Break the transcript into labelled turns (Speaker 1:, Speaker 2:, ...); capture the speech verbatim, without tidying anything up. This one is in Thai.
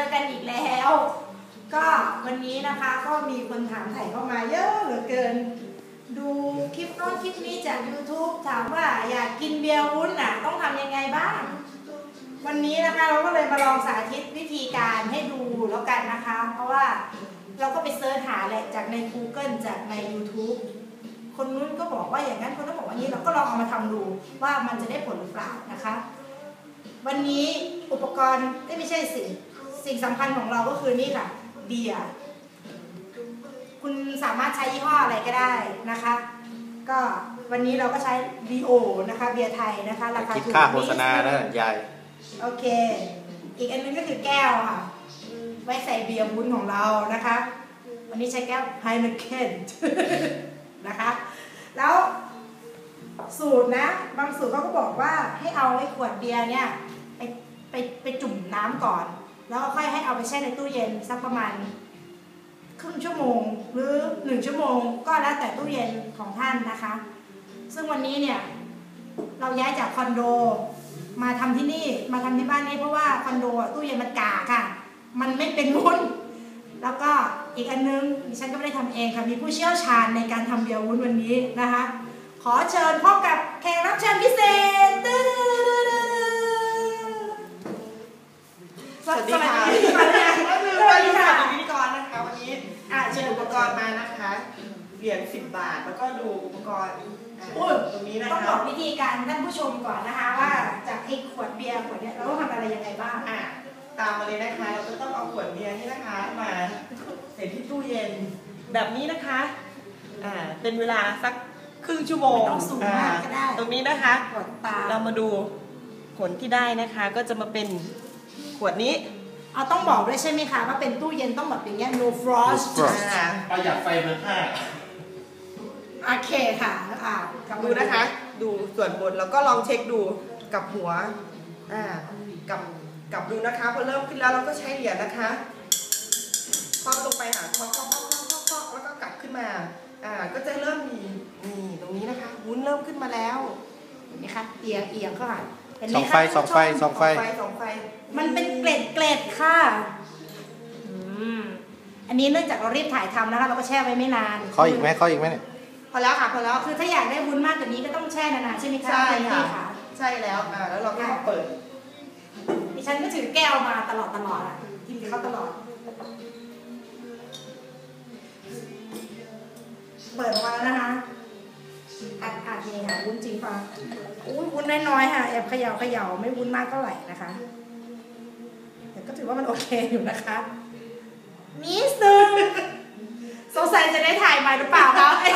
Speaker 1: กันอีกแล้วก็วันนี้นะคะก็มีคนถามถ่ายเข้ามาเยอะเหลือเกินดูคลิปโน้นคลิปนี้จาก ยูทูบ ถามว่าอยากกินเบียร์วุ้นน่ะต้องทำยังไงบ้างวันนี้นะคะเราก็เลยมาลองสาธิตวิธีการให้ดูแล้วกันนะคะเพราะว่าเราก็ไปเสิร์ชหาแหละจากใน กูเกิล จากใน ยูทูบ คนนู้นก็บอกว่าอย่างนั้นคนนั้นบอกว่านี้เราก็ลองเอามาทำดูว่ามันจะได้ผลหรือเปล่านะคะวันนี้อุปกรณ์ไม่ใช่สิ่งสิ่งสำคัญของเราก็คือนี่ค่ะเบียร์คุณสามารถใช้ยี่ห้ออะไรก็ได้นะคะก็วันนี้เราก็ใช้ ดี โอ นะคะเบียร์ไทยนะคะราคาถูกคิดค่าโฆษณานะยายโอเคอีกอันนึงก็คือแก้วค่ะไว้ใส่เบียร์วุ้นของเรานะคะวันนี้ใช้แก้ว ไฮเนเคน นะคะแล้วสูตรนะบางสูตรเขาก็บอกว่าให้เอาไอ้ขวดเบียร์เนี่ยไปไปไปจุ่มน้ำก่อนแล้วก็ค่อยให้เอาไปแช่ในตู้เย็นสักประมาณครึ่งชั่วโมงหรือหนึ่งชั่วโมงก็แล้วแต่ตู้เย็นของท่านนะคะซึ่งวันนี้เนี่ยเราย้ายจากคอนโดมาทำที่นี่มาทำที่บ้านนี้เพราะว่าคอนโดตู้เย็นมันกาค่ะมันไม่เป็นวุ้นแล้วก็อีกอันนึงดิฉันก็ไม่ได้ทำเองค่ะมีผู้เชี่ยวชาญในการทำเบียร์วุ้นวันนี้นะคะขอเชิญพบกับแขกรับเชิญพิเศษ
Speaker 2: สวัสดีค่ะสวัสดีค่ะสวัสดีค่ะพิธีกรนะคะวันนี้เชิญอุปกรณ์มานะคะเหรียญสิบบาทแล้วก็ดูอุปกรณ์ตรงนี้นะคะ
Speaker 1: ต้องบอกวิธีการท่านผู้ชมก่อนนะคะว่าจากไอ้ขวดเบียร์ขวดเนี้ยเราต้องทำอะไรยังไงบ้าง
Speaker 2: อ่ะตามมาเลยนะคะเราจะต้องเอาขวดเบียร์นี่นะคะมาใส่ที่ตู้เย็นแบบนี้นะคะอ่าเป็นเวลาสักครึ่งชั่วโมง
Speaker 1: ต้องสูงมากก็ได้
Speaker 2: ตรงนี้นะคะเรามาดูผลที่ได้นะคะก็จะมาเป็นขวดนี้
Speaker 1: เอาต้องบอกด้วยใช่ไหมคะว่าเป็นตู้เย็นต้องแบบอย่างเงี้ย no frost
Speaker 3: ประหยัดไฟเบอร์ห้า
Speaker 1: โอเคค่ะอ่า
Speaker 2: ดูนะคะดูส่วนบนแล้วก็ลองเช็คดูกับหัวอ่ากับกับดูนะคะพอเริ่มขึ้นแล้วเราก็ใช้เหรียญนะคะครอบลงไปหาครอบครอบครอบครอบครอบแล้วก็กลับขึ้นมาอ่าก็จะเริ่มมีนี่ตรงนี้นะคะวุ้นเริ่มขึ้นมาแล้ว
Speaker 1: เห็นไหมคะเอียงเอียงเข้ามา
Speaker 3: สองไฟสองไฟสองไฟ
Speaker 2: สองไฟ
Speaker 1: มันเป็นเกล็ดเกล็ดค่ะอันนี้เนื่องจากเรารีบถ่ายทำนะคะเราก็แช่ไว้ไม่นาน
Speaker 3: ขออีกไหมขออีกไหมเนี่ย
Speaker 2: พอแล้วค่ะพอแล้ว
Speaker 1: คือถ้าอยากได้วุ้นมากกว่านี้ก็ต้องแช่นานๆใช่ไหมคะ
Speaker 2: ใช่ค่ะใช่แล้วอ่าแล้วเราก็มาเปิด
Speaker 1: ดิฉันก็ถือแก้วมาตลอดตลอดอ่ะกินกับเขาตลอดเปิดออกมาแล้วนะคะอัดอัดนี่ค่ะวุ้นจริงป่ะอุ้ยวุ้นน้อยๆค่ะแอบเขย่าเขย่าไม่วุ้นมากเท่าไหร่นะคะแต่ก็ถือว่ามันโอเคอยู่นะคะนิดนึงสงสัยจะได้ถ่ายใหม่หรือเปล่าคะไอ